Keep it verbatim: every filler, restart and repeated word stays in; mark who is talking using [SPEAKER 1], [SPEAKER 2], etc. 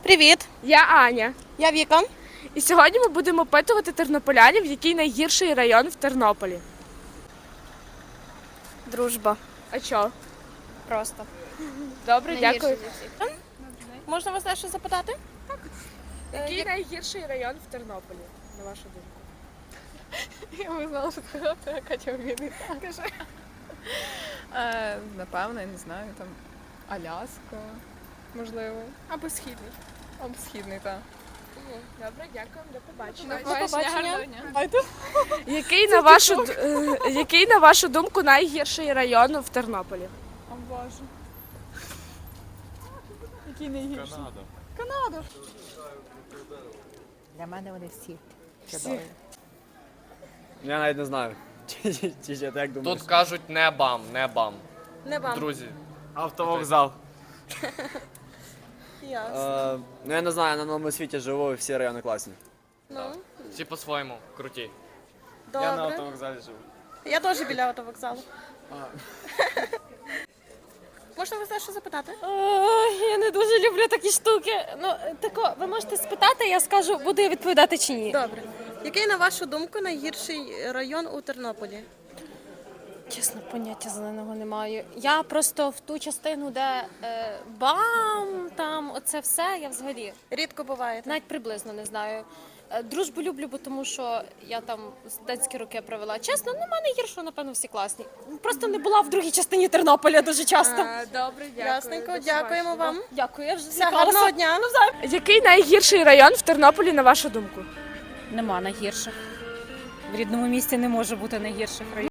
[SPEAKER 1] Привіт,
[SPEAKER 2] Я Аня.
[SPEAKER 1] я Віка.
[SPEAKER 2] І сьогодні ми будемо опитувати тернополянів, який найгірший район в Тернополі.
[SPEAKER 1] Дружба.
[SPEAKER 2] А чо?
[SPEAKER 1] Просто.
[SPEAKER 2] Добре, дякую.
[SPEAKER 1] Можна вас дещо запитати?
[SPEAKER 2] Який найгірший район в Тернополі, на вашу думку?
[SPEAKER 3] Я не знала, що сказати, а Катя вміє. Кажи. Е, Напевно, я не знаю, там Аляска, можливо.
[SPEAKER 2] Або східний.
[SPEAKER 3] Або східний, так.
[SPEAKER 2] Добре, дякуємо, до побачення.
[SPEAKER 1] До побачення.
[SPEAKER 2] Який на вашу д- е, який на вашу думку найгірший район в Тернополі?
[SPEAKER 3] О Боже. Який найгірший?
[SPEAKER 4] Для мене вони всі чудові.
[SPEAKER 5] Я навіть не знаю. Чи, чи, чи, чи, ти як думаєш?
[SPEAKER 6] Тут кажуть не бам, не бам.
[SPEAKER 1] Не вам.
[SPEAKER 6] Друзі,
[SPEAKER 5] Автовокзал.
[SPEAKER 1] Ясно.
[SPEAKER 5] Е, ну я не знаю, на новому світі живу і всі райони класні.
[SPEAKER 1] Ну,
[SPEAKER 6] всі по-своєму круті.
[SPEAKER 5] Я на
[SPEAKER 1] добре.
[SPEAKER 5] автовокзалі живу.
[SPEAKER 1] Я теж біля автовокзалу. Можна вас дещо запитати?
[SPEAKER 7] Ой, я не дуже люблю такі штуки. Ну, тако, ви можете спитати, я скажу, буду я відповідати чи ні.
[SPEAKER 1] Добре. Який, на вашу думку, найгірший район у Тернополі?
[SPEAKER 7] Чесно, поняття зеленого не маю. Я просто в ту частину, де е, бам, там оце все, я взагалі
[SPEAKER 1] Рідко буваєте.
[SPEAKER 7] навіть приблизно не знаю. Е, Дружбу люблю, бо тому що я там студентські роки провела. Чесно, ну, в мене гірше, напевно, всі класні. Просто не була в другій частині Тернополя дуже часто.
[SPEAKER 2] Добре, дякую.
[SPEAKER 1] Ясненько, дякуємо вам.
[SPEAKER 7] Дякую, я вже
[SPEAKER 1] Все, гарного дня.
[SPEAKER 2] Який найгірший район в Тернополі, на вашу думку?
[SPEAKER 8] Нема найгірших. В рідному місті не може бути найгірших районів.